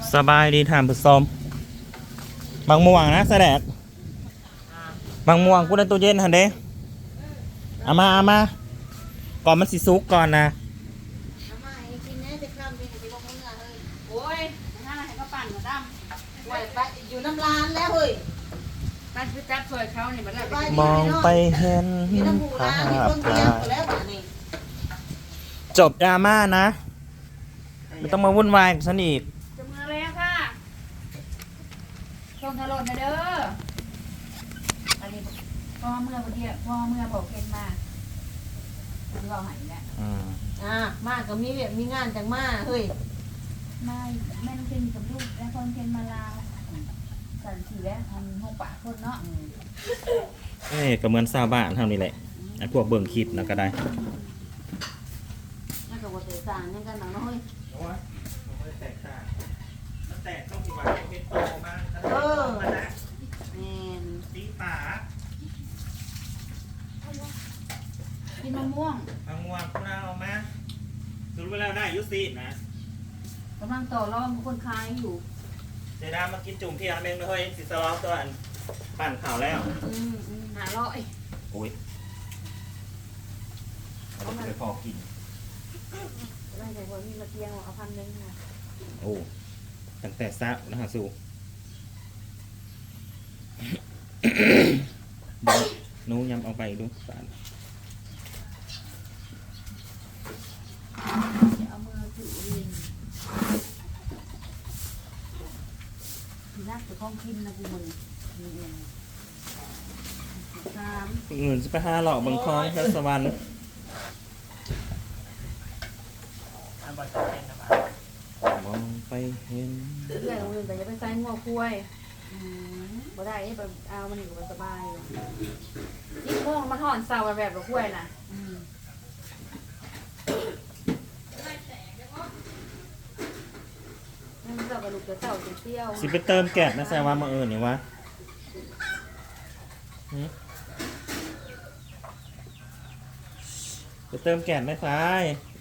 สบายดีท่านผู้ชมบางม่วงนะแสดงบางม่วงกูในตู้เย็นหันเด้เอามาก่อนมันสิซุกก่อนนะโอ้ยนั่นให้เขาปั่นมาดำไว้ไปอยู่น้ำร้านแล้วเฮ้ยปั่นคือจับสวยเขาเนี่ยมันแล้วมองไปเห็นอยู่น้ำบูภาร้านมีพคนเตียงหมดแล้วบ้านนี้จบดราม่านะไม่ต้องมาวุ่นวายกับฉันอีกจะมือแล้วค่ะส่งทะลนนะเด้ออันนี้พ่อเมื่อวันเดียวพ่อเมื่อบอกเคนมาคุณรอหายแล้วมาก็มีเวียกมีงานจังมาเฮ้ยไม่แม่ต้องเคนกับลูกแล้วคนเคนมาลาสันสีแล้วทำห้องปากคนเนาะก็เหมือนชาวบ้านเท่านี้แหละไอ้พวกเบิ่งคลิปนะก็ได้นั่นก็บ่เตะต่างยังกันหนังน้อยแม่นตีป่ากินมะม่วงบางม่วงพวกเราเอามาสรุปแล้วได้ยุสินะกำลังต่อรองกับคนขายอยู่เดี๋ยวดามากินจุ่มเพียงเมงเลยสิสลอฟตัวอันปั่นข่าวแล้ว 500 โอ้ยเอาไปพอกินไม่ใช่คนมีมาเตียงเอา1,000ค่ะโอ้ตั้งแต่ซักนะฮะสู้หนูยำเอาไปดูสารจะเอามือถือลินทีนักจะต้องกินนะกูมึงนี่เอง3 เงินจะไปหาหลอกบางคลองแถวสวรรค์มองไปเห็นเรื่องของอื่นแต่จะไปใส่งัวคุ้ยบ่ได้ไปเอามันอยู่สบายยิ่งโมงมันห่อนเสาแบบเราคุ้ยนะนั่นเสากระดูกจะเสาจะเตี้ยวสิไปเติมแก๊สนะแซวว่ามานี่วะไปเติมแก๊สไหมฟ้าย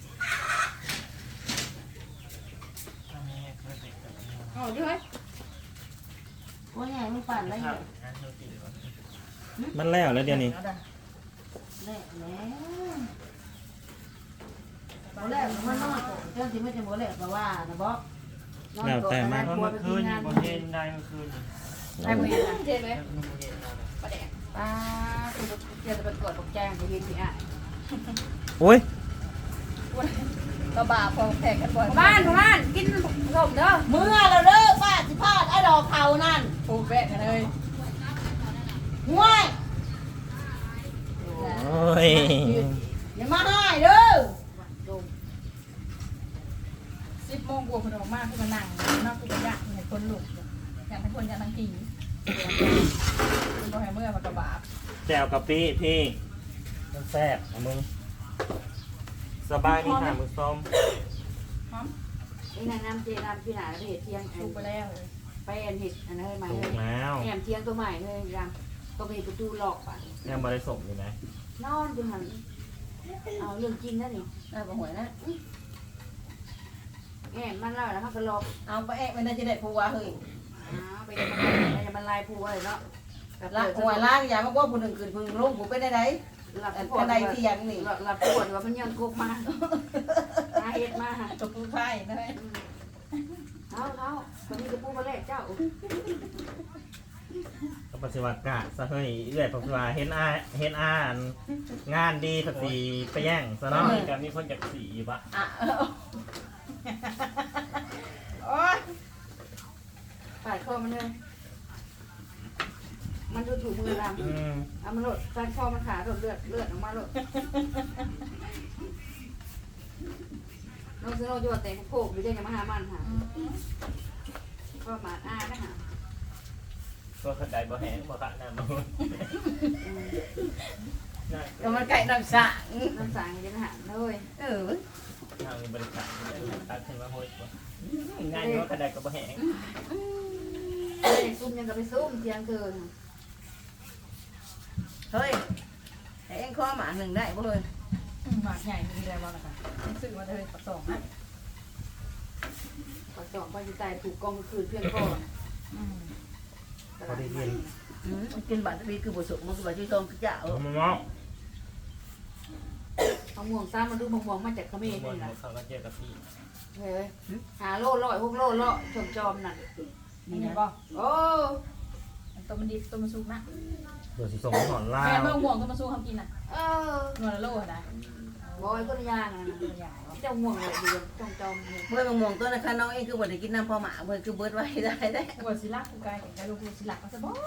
อ๋อด้วยว่าไงไม่ปั่นแล้วอยู่มันแล้วเดี๋ยวนี้แหละตอนแรกมันนอนเจ้าสิไม่จะบ่แหลกเพราะว่านะบอกแล้วแต่มันเมื่อคืนบ่เห็นได้เมื่อคืนได้บ่เห็นเห็นไหมประแดกป้าคือเดี๋ยวจะไปตรวจปกแจ้งไปเห็นที่อ่ะโอ้ยก็บาพอแพงกันบ่อยบ้านกินขนมเด้อเมื่อเราเด้อป้าสิพาดไอ้ดอกเขานั่นปูแบกกันเลยห่วยโอ้ยอย่ามาให้เด้อ 10 โมงกว่าคนออกมาคือมานั่งนอกคือไปยากให้คนลุกอยากให้คนอยากนั่งกินคุณบ่ให้เมื่อมากระบาดแจวกะปิพี่มันแซ่บนะมึงสบายดีค่ะมือส้มหอมนี่นางน้ำเจน้ำพี่หนาแล้วเห็ดเทียงถูกไปแล้วเลยไปแอนเห็ดอันนั้นให้ใหม่ถูเลกยแล้วแอมเทียงตัวใหม่เลยยังก็ไปประตูหลอกป่ะยังบริสุทธิ์อยู่ไหมนอนอยู่หันเอาเรื่องจริงนะนี่ได้บ่หวยนะแอมมันเล่าแล้วมันก็หลอกเอาไปแอกไม่ได้จะได้ผัวเฮ้ยไปจะมันลายผู้อะไรเนาะละหัวล้างอย่ามาว่าผู้หนึ่งคืนพึ่งลงผู้ไปได้ไหนหลับอันปวดใดที่ยังนี่หลับปวดว่ามันยังกบมาหาเห็ดมาตัวผู้ไพ่นะเท้าคนนี้จะพูดมาแรกเจ้าก็ปฏิวัติกะซะเฮ้ยเอื้อยปฏิวัติเห็นอ่านงานดีสักสีไปแย่งซะเนาะกับมีคนจากสีปะอ่ะโอ๊ยปาดคอมันเลยมันดูถูกมือดำเอามันหลดการคอมันขาหลดเลือดออกมาหลดน้องซื้อเราอยู่แต่โคกหรือจะมาหามันค่ะก็มาอ้านะฮะก็ขัดได้บ่แห้งบ่ขัดน้ำมันก็มันไก่น้ำสางน้ำสางจะมาหาเลยทางบริษัทตัดขึ้นมาโหดงานก็ขัดได้ก็บ่แห้งซุ่มยังกับไปซุ่มเที่ยงคืนเฮ้ยให้เอ็งข้อหมาหนึ่งได้บ่เลยหมากใหญ่มีอะไรบ้างนะคะซื้อมาเลยประสงค์นะไปปักจ่องไปอยู่ใต้ถูกกองคืนเพื่อนก่อนพอได้ยินมันกินบัตรวีคือบุษมันคือบัตรที่ทองคือเจ้าเอามาเมาะเอาม่วงซ้ำมาดูมะม่วงมาจากเขมรนี่นะเขาก็เจอกับพี่เฮ้ยหาโลร้อย6 โลเลาะชมจอมนั่นนี่นะบ่โอ้ตัวมันดิบตัวมันสุกนะเดี๋ยวสิส่งหอนลาแม่วเมื่อห่วงตัวมันสุกทำกินน่ะเออนวลละโลนะบอยก็ย่างนะที่เจ้าม่วงเลยดีชมจอมเลยเมื่อมองตัวนะคะน้องเองคือบัตรกินน้ำพอหมาเมื่อคือเบิร์ดไว้ได้หัวสิลักกูกายแต่กายลูกสิลักก็จะบ่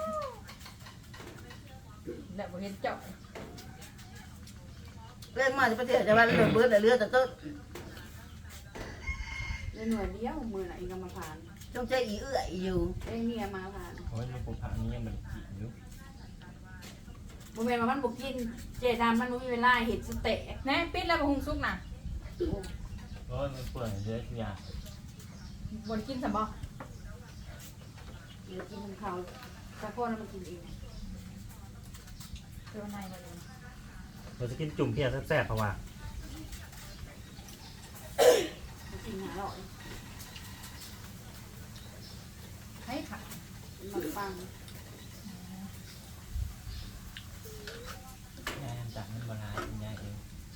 แล้วบ่เห็นเจ้าเรื่องมาจะไปเที่ยวจะว่าเรื่องเบิร์ดเรือแต่ต้นเลยหน่วยเดียวมือน่ะเองกำมาผ่านจงใจอีเอื้อยอยู่เองเนี่ยมาผ่านโอ้ยมันปูผานี่ยังมันกินอยู่โมเมนต์มันบุกินเจดามันมีเวลาเห็ดสเต๊ะแน่ปิดแล้วบ่หุงสุกน่ะโอ้ยมันเปื่อยเยอะทุกอย่างบ่ได้กินซะบ่เดี๋ยวกินของเขาแต่พ่อนั้นมันกินเองเดี๋ยวในบ่เลยเราจะกินจุ่มเพียแซ่บๆเพราะว่ามันกินหาหน่อยให้ค่ะมันฟังยายจากมันบาลายยายเอง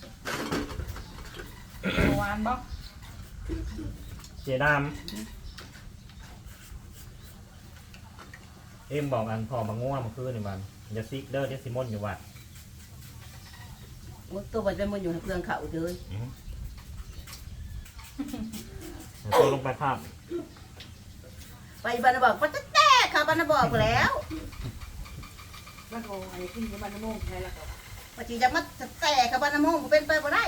หวานบ่เจดามเอ็มบอกอันพอมาง่วงมาคืนนี่มันอย่าซิกเด้อเดี๋ยวซิมอนอยู่วัดตัวบัตรเป็นมันอยู่ในเครื่องเขาเลยตัวลงไปภาพไปบ้านบอกว่าจะแตกค่ะบ้านบอกแล้วแล้วก็อะไรขึ้นในบ้านน้ำมงใครละก็ปฏิจะมาแตกค่ะบ้านมงเป็นไปบ่ได้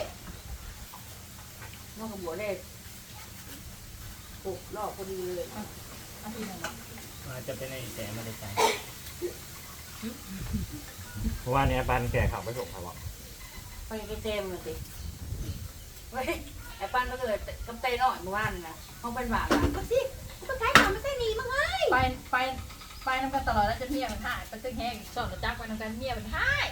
นอกกับบัวเล็กโอ้รอบพอดีเลยอาทิตย์นึงบ่อาจจะเป็นไอ้แต่ไม่ได้ใจเพราะว่าเนี่ยปันแก่ขับไปส่งเขาบอกไปเต็มเลยสิเฮ้ยไอ้ปั้นก็เลยกำเตยหน่อยเมื่อวานนะเขาเป็นหวานอ่ะก็สิมันขายของไม่ใช่หนีมั้งเฮ้ยไปนำกันตลอดแล้วจะเมียมันหายไปตึ้งแห้งสอนจักไปนำกันเมียมันหาย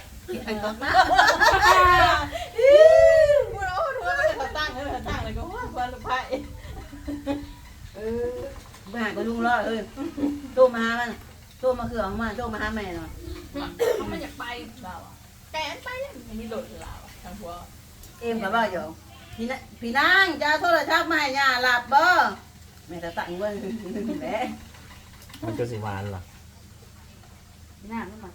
พูดโอ้ทัวร์มันจะตั้งเลยก็ว่าควรลูกไผ่เออไปหาก็ลุงรอดเลยโทรมาหามันโทรมาคือออกมาโทรมาหาแม่หน่อยเขาไม่อยากไปเราแกนไปยังมีหลุดเราทางหัวเอ็มกับว่าอยู่พี่นางจะโทรศัพท์มาให้ย่าหลับบ่แม่จะตั้งไว้แหละมันจะสิหวานเหรอหน้าไม่มา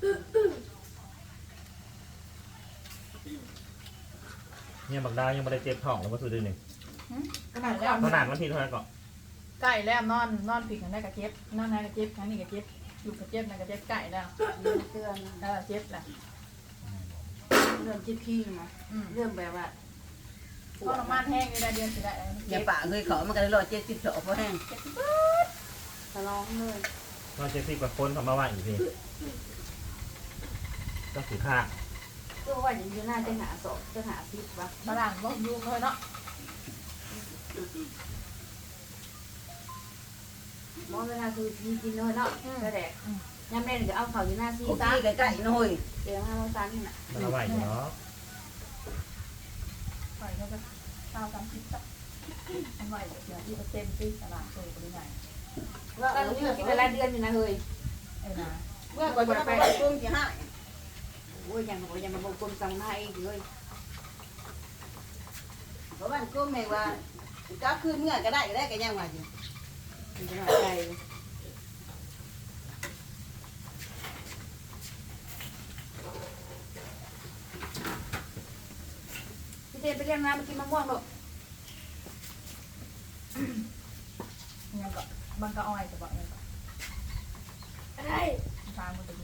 เนี่ยบักดาวยังไม่ได้เจ็บท้องแล้วก็สุดเลยหนึ่งขนาดแล้วขนาดมันทีเท่าไหร่ก่อนไก่แล้วนอนผิดกันได้กับเจ็บนอนไหนกับเจ็บครั้งนี้กับเจ็บอยู่กับเจ็บนั่นกับเจ็บไก่แล้วเตือนเจ็บแหละเรื่องจิ๊บขี้นะเรื่องแบบว่าก็น้ำมันแห้งในเดือนสิได้อย่าปะเคยขอมันก็เลย170เพราะแห้งทะเลาะเลยเราจะสิบกว่าคนทำมาว่าอีกทีก็สิท่าก็ว่าอย่างนี้น่าจะหาศพจะหาซิปวะมาหลังก็ยุ่งเลยเนาะมองเวลาคือกินเลยเนาะก็แดกยำเล่นเดี๋ยวเอาเขาอยู่หน้าซีโอ้ซ่าที่ใกล้ๆหน่อยเดี๋ยวมาซันน่ะมันเอาไหวอยู่เนาะปล่อยเขาก็30จ้ะอันไหวเดี๋ยวที่เต็มที่ตลาดโตไปไหนว่าก็เมื่อกินเวลาเดือนอยู่นะเฮ้ยนะเมื่อก่อนจะไปกุ้งที่ห้าโอ้ยยังบอกยังมาบอกคนสั่งมาเองเลยเพราะว่ากุ้งแม่ว่าก็คือเมื่อก็ได้ก็ยังว่าอยู่มันจะหน่อยใจพี่เจนไปเรียกน้ำมากินมะม่วงหรอกยังก็บางก็อ้อยจะบอกยังก็อะไรทางมันจะดี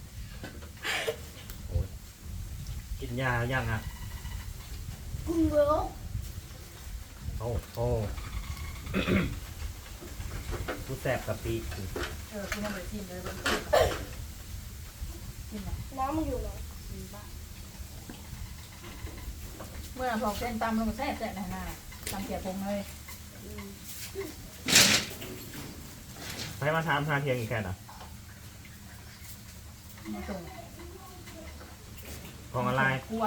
กินยายังอ่ะกุ้งเบื้อโอ้โหกูแสบกับปีคุณยังไม่กินเลยกินนะน้ำมันอยู่หรอเมื่อพอเส้นตำลงมาแซ่บๆนะตำเกี๊ยวพงเลยไปมาถามหาเทียงอีกแค่น่ะมาส่งของอะไรกล้วย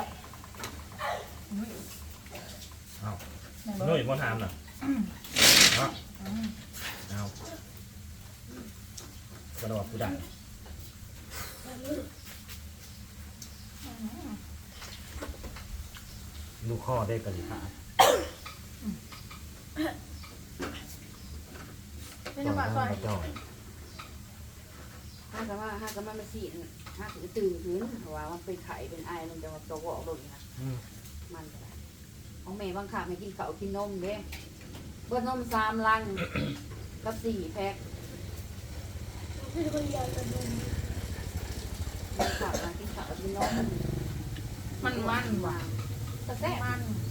อ้าวนุ่ยมาถามน่ะเนาะกระโดดกูดังลูกข้อได้กันขาไม่ต้องมาซอยจ่อยห้ากันมาสีห้าถือตื่นคืนเพราะว่ามันเป็นไข่เป็นไอมันจะมาตัวออกลงนะมันก็ได้ของแม่บางขาไม่กินข้าวกินนมเด้เบิดนม3 ลังกับ4 แพ็คบางขากินข้าวกินนมมันว่ะกระแซ่บ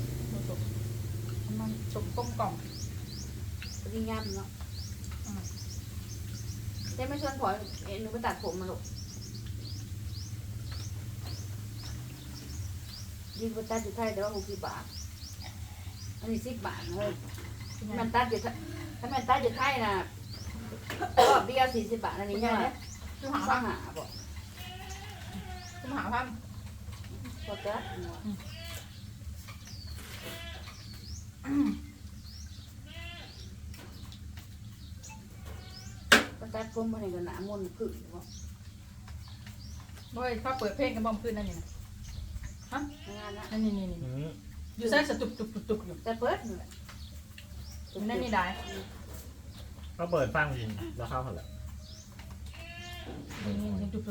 มันสุกต้มกล่อมดีงามเนาะเจ๊ไม่ชวนผอหนูไปตัดผมมาลูกยิงไปตัดอยู่ไทยแต่ว่า60 บาทอันนี้10 บาทเลยมันตัดอยู่ถ้ามันตัดอยู่ไทยนะรอบเดียว40 บาทอันนี้ยังไงคือหาข้าพันหาบอกคือหาพันก็จะก็ตัดผมมาในกระหน่ำมนขึ้นบอกเฮ้ยเขาเปิดเพลงกันบอมขึ้นนั่นนี่นะฮะงานนะนี่อยู่ใส่สตุบอยู่แต่เปิดนี่แหละนั่นนี่ได้ก็เปิดฟังแล้วเข้าหันแหละนี่ตุบ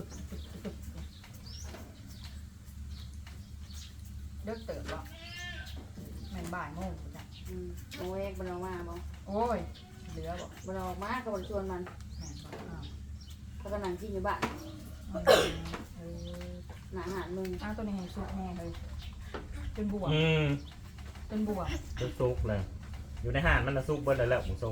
เลิกเติบแล้วแม่นบ่ายโมงจ้ะโอ้ยบนออกมาบอกโอ้ยเหลือบอกบนออกมาก็บนชวนมันแม่นบอกอ้าวเขาก็นั่งกินอยู่บ้านหนาอาหารมึงอ้าวตัวนี้ให้สุกแน่เลยเป็นบวก เป็นบวกจะซุกเลย อยู่ในห้างมันละซุกเบิ้ลแล้วหมูทรง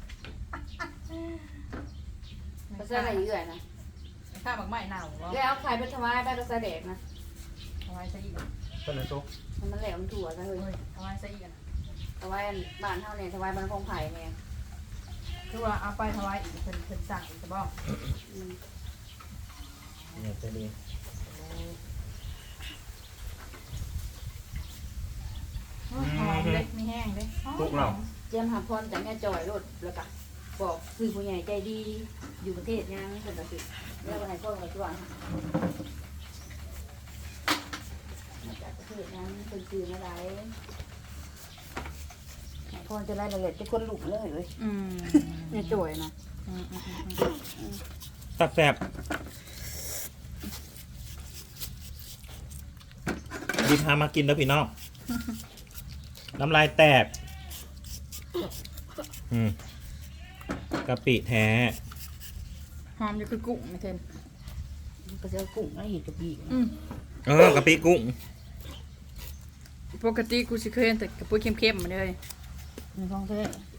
เขาใส่อะไรเยอะนะข้าบักไม้เน่าเหรอแล้วไข่เป็นถวายไปก็ใส่แดกนะเอาไว้ซะอีกก็เลยซุกมันแหลมมันถั่วซะเลยเอาไว้ซะอีกถวายบ้านเท่าเนี่ยถวายบ้านคงไผ่เนี่ยคือว่าเอาไปถวายอีกเป็นสั่งอีกจะบอกเนี่ยจะดีหอมเล็กไม่แห้งเลยซุกเราเจียมหาพรจากแม่จอยรถแล้วก็บอกคือผู้ใหญ่ใจดีอยู่ประเทศยังคนละสิแล้ววันไหนพ่อเราช่วยมาจากประเทศนั้นเป็นคืออะไรพรจะไล่ละเอียดจะคนหลุกเลยเลยแม่จอยนะแซ่บดีพามากินแล้วพี่น้อง น้ำลายแตกกะปิแท้หอมอยู่คือกุ้งไม่เทนก็จะกุ้งแล้วเห็ดกะปิกะปิกุ้งปกติกูสิเคยเห็นแต่กระปุกเข้มๆมาเลยในท้องแท้